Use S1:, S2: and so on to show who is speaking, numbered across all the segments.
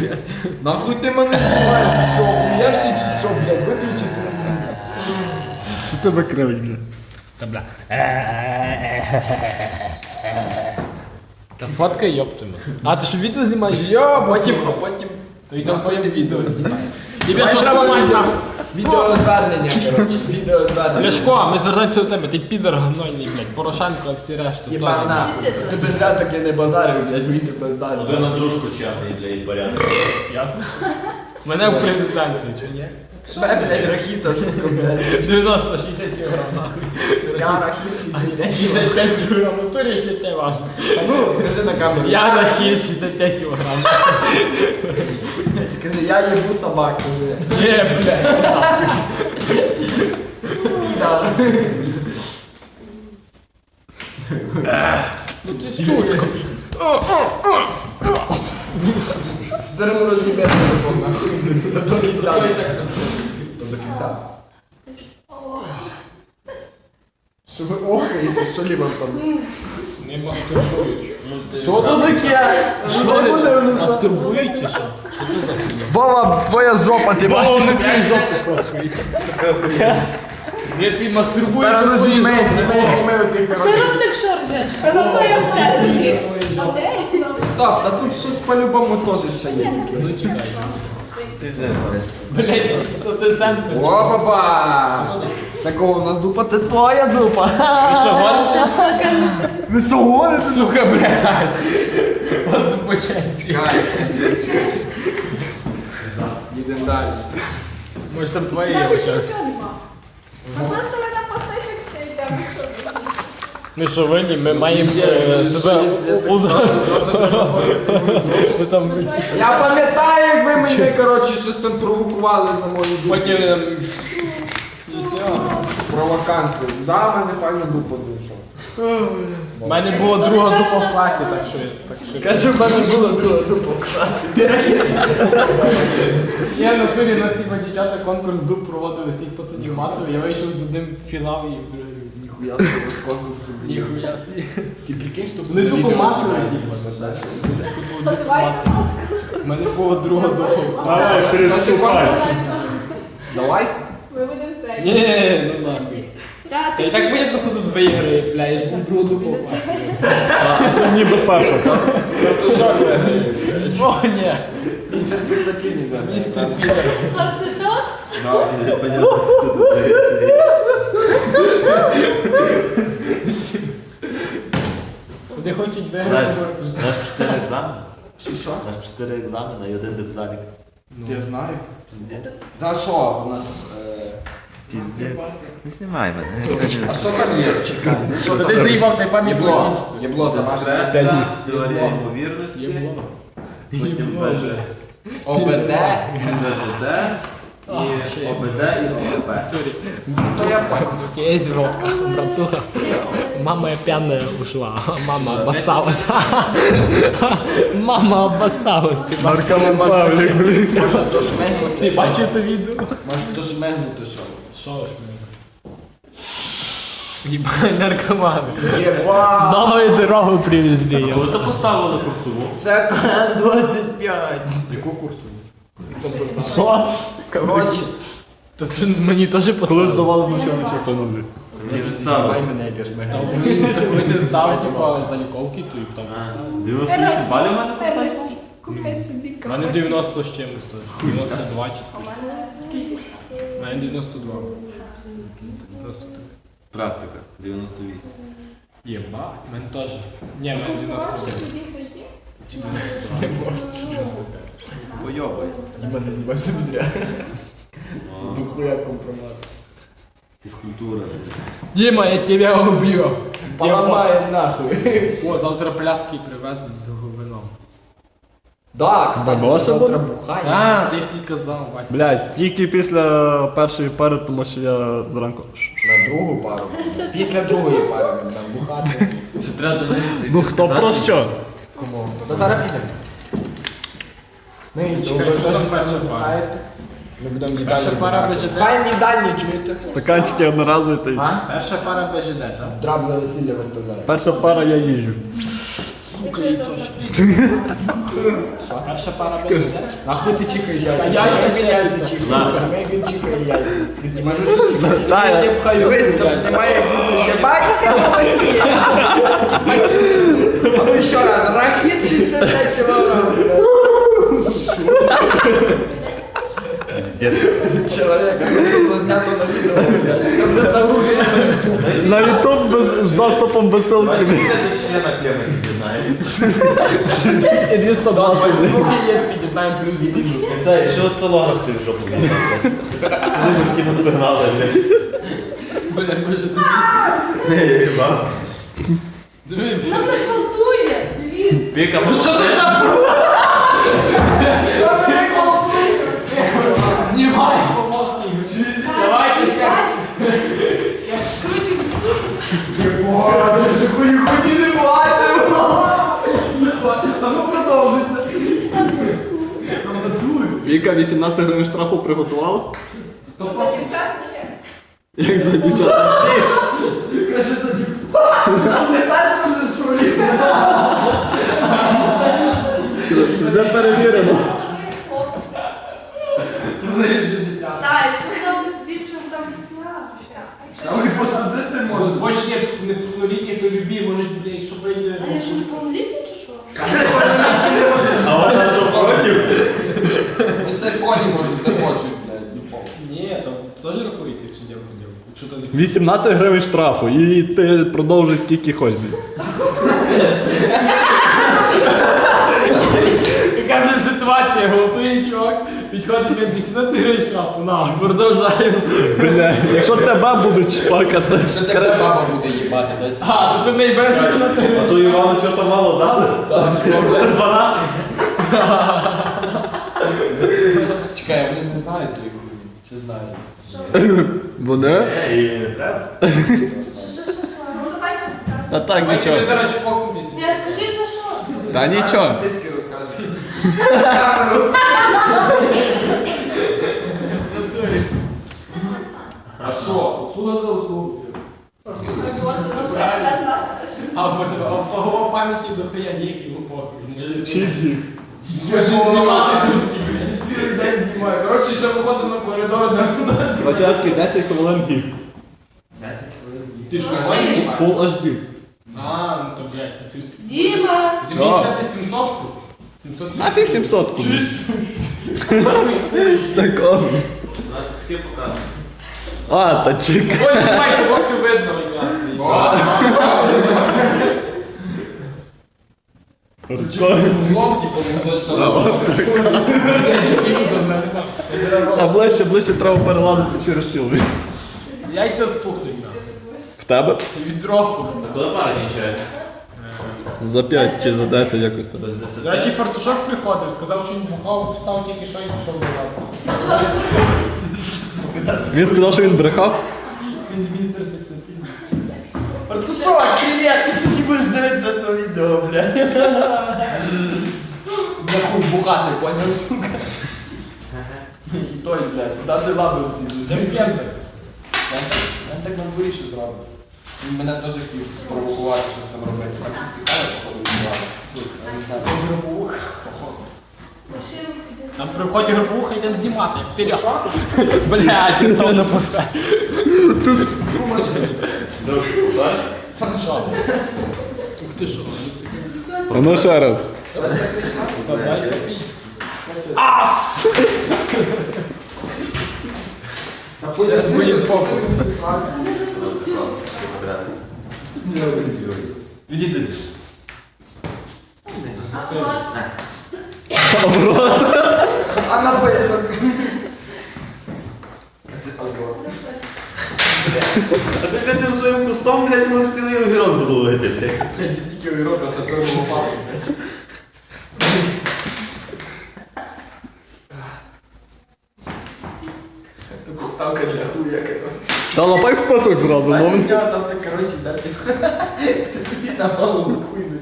S1: Нахуй ти мене знімаєш, ти що, охуєшся чи що, блядь, виключи ти.
S2: Що тебе кривить, блядь?
S3: Та бля. Та фоткай, йоптиме. А, ти що відео знімаєш?
S1: А потім...
S3: То йдемо
S1: Нахуй ти відео знімаєш.
S3: Тебе що сломать нахуй?
S1: Відеозвернення, коротше, відеозвернення.
S3: Ляшко, ми звертаємося до тебе, ти підер гнойний, блядь, Порошенко, а всі решта теж.
S1: Єба нахуй. Тебе зря таки не базарив, блядь, він тебе здасть.
S4: Один на дружку чемний, блядь, порядок.
S3: Ясно? Мене в президенти, чи ні?
S1: Шве, блядь, рахіта, сука, блядь.
S3: 90, 60 кг нахуй.
S1: Я рахіт 65.
S3: 65 кг, в натурі ще те важно.
S1: Ну, скажи на камеру.
S3: Я на хід 65 кг.
S1: Кажи, я їбу собак, кажи.
S3: Є, блядь.
S1: Да.
S3: Ну ти сучка.
S1: Зараз ми розіб'ємо телефон, нахуй. До кінця. До кінця. Що ви охаєте, що лівом там?
S3: Не мастурбують.
S1: Що то таке? Що
S3: Що
S1: буде в нас?
S3: мастурбують чи що?
S1: Вова, твоя жопа, ти
S3: Вова,
S1: бачиш?
S3: на твій жопу хочуть. Ні, ти мастурбуєш.
S1: Зараз
S3: на твою
S1: зніми,
S3: жопу.
S1: зніми отих,
S5: Ти
S1: коротше.
S5: розтик шорбиш, а на то я все.
S1: Стоп, та тут щось по-любому теж ще є.
S3: Ну чекай.
S4: Пиздец,
S3: Блядь, це сенсор.
S1: Опа! Це кого у нас дупа? Це твоя дупа.
S3: Ви що, гоните?
S1: Ви що гоните?
S3: Сука, блядь. От збоченці.
S1: Їдемо далі.
S3: Може там твоє є щось.
S5: Ну просто ви там постійно стоїте, а ви що?
S3: Ми що винні, ми маємо себе... Ми там...
S1: Я пам'ятаю, як ви мене, коротше, щось там провокували за мою дупу.
S3: Потім... І все.
S1: Провоканти. Да, в мене файна дупа душа.
S3: У мене була друга дупа в класі, так що...
S1: Кажу, в мене була друга дупа в класі. Ти рахіт.
S3: Я на турі нас типа дівчата конкурс дуп проводили всіх пацанів мацав, я вийшов з одним в фінал і в другий.
S1: Ніхуя собі з конкурсу.
S3: Ніхуя собі.
S1: Ти прикинь, що
S3: Вони тупо мацали, типа. Тупо дупу мацали. У мене була друга дупа.
S2: Давай, через цю пальці.
S1: Давайте.
S5: Ми будемо це.
S3: Ні, ну нахуй. Та і так понятно, хто тут виграє, бля, я ж був другу дупу мацав.
S2: Ніби перша, так?
S1: Картошок виграє.
S3: О, ні.
S1: Містер Сексапіні заграє.
S3: Містер Підер.
S5: Артишок?
S4: Понятно, кто тут дает.
S3: Вони хочуть виграти.
S4: Наш 4 екзамени.
S1: Що?
S4: Наш 4 екзамени і один депзалік.
S1: Я знаю. Та що у нас?
S4: Піздець. Не знімай мене.
S1: А що там є? Чекай. Що
S3: Ти
S1: там?
S3: заїбав, та й пам'ять
S1: Єбло. Єбло за наше.
S4: Секретна теорія ймовірності.
S3: Єбло.
S4: Потім БЖ.
S1: ОБД.
S4: БЖД. І ОБД і ОБП.
S1: То я понял.
S3: Есть водка, братуха. Мама пьяная ушла, мама обоссалась. Мама обоссалась. Ти
S2: Наркоман Павлік, блін.
S1: Може то шмегнути.
S3: Ти бачив то відео?
S1: Може то шмегнути що?
S3: Що ж Ебать, наркоман.
S1: Єба!
S3: Новую дорогу привезли.
S4: Коли то поставили курсову?
S1: Це 25.
S3: Яку курсу?
S2: Що?
S1: Коротше.
S3: То це мені теж
S2: Коли
S3: поставили.
S2: здавали в начальну частину, блін.
S4: Мені ж
S1: Знімай
S4: ставили.
S1: мене, як я шмегну.
S3: Ви не здали, типа, заліковки, то і там поставили.
S4: 98 балів у мене?
S5: Пересті. Купи собі
S3: У мене 90 з чимось теж. 92 чи скільки. У мене 92. 93.
S4: Практика. 98.
S3: Єбать, у мене теж. Ні, у мене 92. Чи 92.
S4: Бойовий.
S1: Діма не знімай собі дря. Це дохуя компромат.
S4: Фізкультура.
S3: Дима, я тебя убью.
S1: Поламає нахуй.
S3: О, завтра пляцкий привезуть з вином.
S1: Да, кстати,
S2: Бабоша
S1: завтра
S2: буде?
S1: бухає.
S3: А, ти ж не казав, Вася.
S2: Блядь, тільки після першої пари, тому що я зранку.
S1: На другу пару. Після другої пари ми там бухати.
S4: Що треба до неї
S2: Ну хто про що?
S1: Кому? Та зараз підемо. Ми
S3: Чекай,
S1: ви
S3: що там
S1: теж
S3: перша
S1: сьогодні
S3: пара?
S1: бухаєте? Ми будемо
S3: Перша
S1: їдальні.
S3: пара
S1: бухати.
S3: БЖД.
S1: Хай в їдальні чуєте.
S2: Стаканчики одноразові та й.
S1: А?
S3: Перша пара БЖД, так?
S1: Драб за весілля виставляє.
S2: Перша пара я їжджу.
S3: Сука, яйцо. Перша пара буде. Нахуй ти чікаєш яйця? Яйця чікаєш. Він чікає яйця. Ти не можеш чікати.
S2: Та,
S3: Я пхаю.
S1: Дивись, це немає як будто єбать, а ну ще раз, рахіт 65 кілограм. Чоловіка, це зазнято на відео, блядь. Там де загружено на YouTube.
S2: на YouTube з доступом без ссылки.
S4: Члена клеммы не знаєш.
S2: І 220.
S3: Поки є, під'єднаємо плюс і мінус.
S4: Це що сценограф ти в жопу віддав? Люди з ким сигнали, блядь.
S3: Бля, може собі.
S4: Не, я їбав.
S3: Дивимося.
S5: Нам не гвалтує, блін.
S4: Віка,
S3: Ну що ти там? Знімай, помощник. Давайте секс.
S5: Коротше,
S1: Худі не бачив. А ну продовжуйте.
S2: Віка 18 гривень штрафу приготувала?
S5: за дівчат ні.
S2: Як за дівчата?
S1: Каже, за не перше вже шурі.
S2: Вже перевірено.
S3: Це не вже 10.
S5: Так, якщо там з дівчат, там не знаю.
S1: Там і посадити
S3: Може,
S1: можна.
S3: збочні неповнолітні по любі, можуть, блядь, якщо прийде...
S5: А я що, неповнолітня чи що?
S4: а вона що проти?
S1: Місце колі можуть, де хочуть, блядь.
S3: Ні, там теж рахується, якщо дівку дівку. Якщо то не...
S2: 18 гривень штрафу і ти продовжуй скільки хочеш.
S3: Яка вже ситуація, готує чувак, підходить від 18 гривень штрафу, на, продовжаємо.
S2: Бля, якщо тебе будуть чпакати.
S1: Що тебе баба буде їбати десь?
S3: А, то ти не береш 18
S4: А
S3: гривень.
S4: то Івану чого-то мало дали? 12.
S1: Чекай, вони не знають тої хуйні. Чи знають?
S2: Буде?
S4: Їй не треба.
S5: Що? Ну давайте розказуй.
S2: А так
S3: Давайте
S2: нічого.
S3: ви зараз чпокнутися.
S5: Я скажи за що?
S2: Та нічого.
S1: Цицьки розкажуть. А що? Услуга за услугу.
S3: А в того пам'яті до хуя ніякий похуй.
S2: Чиї?
S3: Може знімати сутки, блядь.
S1: Цілий день знімаю. Коротше, ще виходимо на коридор, де
S2: Вачарський 10 хвилин гід.
S1: 10 хвилин.
S3: Ти що,
S2: Full HD.
S3: А, ну то, блядь, ти...
S5: Діма!
S3: Ти мені взяти 700-ку? 700
S2: Нафіг 700 ку. Так он.
S4: 20 показує.
S2: А, та чекай.
S3: Ой, знімай, того все видно, якраз.
S1: Злом, типу, музична.
S2: А ближче треба перелазити через силу.
S3: Яйця спухнуть, на.
S2: В тебе?
S3: Від року.
S4: А коли пара кінчається?
S2: За 5 чи за 10 якось так.
S3: До речі, фартушок приходив, сказав, що він бухав, встав тільки що і пішов до лавки.
S2: Він сказав, що він брехав.
S3: Він з містер Сексапін.
S1: Артушок, привіт! Ти сьогодні будеш дивитися то відео, бля. Бля, хуй бухати, поняв, сука. І той, блядь, здати лаби всі.
S3: Земп'єнтер.
S1: Я так на дворі ще зробив. Він мене теж хотів спровокувати щось там робити. Там щось цікаве, походу, відбувалося. Сука, я не знаю, теж робив.
S3: Нам при вході групуха йдемо знімати. Вперед. Блядь, ніхто не пусте.
S1: Сам що?
S3: Ух ти що?
S2: А ну ще раз.
S3: Зараз буде фокус.
S4: Відійди.
S1: А написок.
S4: А ти тим своїм кустом, блядь, можеш цілий огірок задоволити, блядь.
S1: Блядь, не тільки огірок, а саперну лопату, блядь. Це поставка для хуя, коротше.
S2: Та лапай в пасок зразу,
S1: Бачиш,
S2: мов.
S1: в нього там так, коротше, дати ти собі на голову хуйнуть.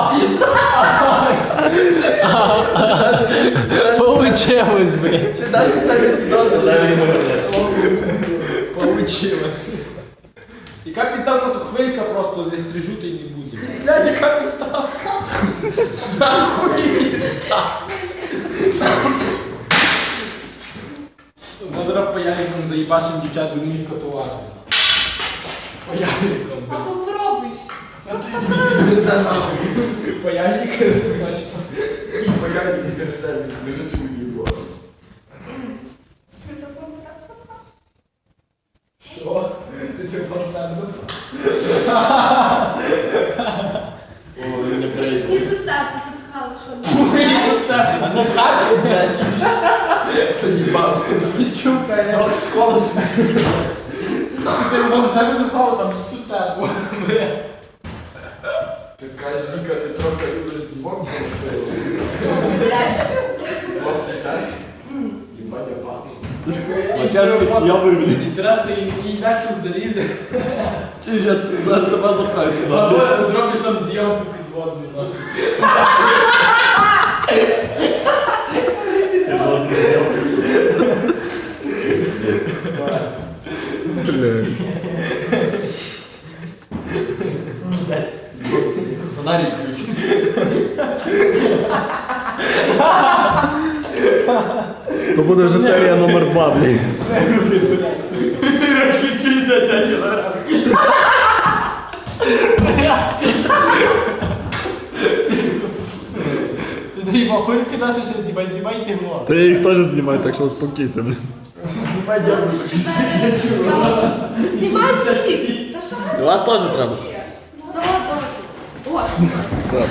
S3: Получилось, блядь.
S1: Чи навіть це не підозрює?
S3: Получилось. Яка підставка, то хвилька просто зістрижу, і не буде.
S1: Блядь, яка підставка?
S3: Ми зараз паяльником заїбашим дівчат, будемо їх катувати. Паяльником.
S5: А попробуй.
S3: Це нахуй. Паяльник, це значить. Що? Ти телефон сенсор?
S5: І тут так запхали, що
S1: А на хаті, блядь, чуєш?
S3: Ти чука, я.
S1: Ох, сколосно.
S3: Ти телефон сенсор запхав, там тут тепло.
S6: Ти кажеш, Віка, ти трохи любиш бок силу. Хлопці теж? Їбать, опасно.
S2: Чесно, з'явив, блін.
S3: Інтересно, і інакше залізе.
S2: Чи ж я зараз тебе запхаю сюди?
S3: Або зробиш там зйомку підводну.
S2: Блін.
S1: Фонарик включить.
S2: То буде вже серія номер 2, блін.
S3: Знімай, хули ти нас ще знімаєш, знімай ти влог.
S2: Та я їх теж знімаю, так що успокійся, блін.
S5: Знімай всіх. Та що ви
S2: Вас теж треба.
S5: Все, добре. О,
S2: Все.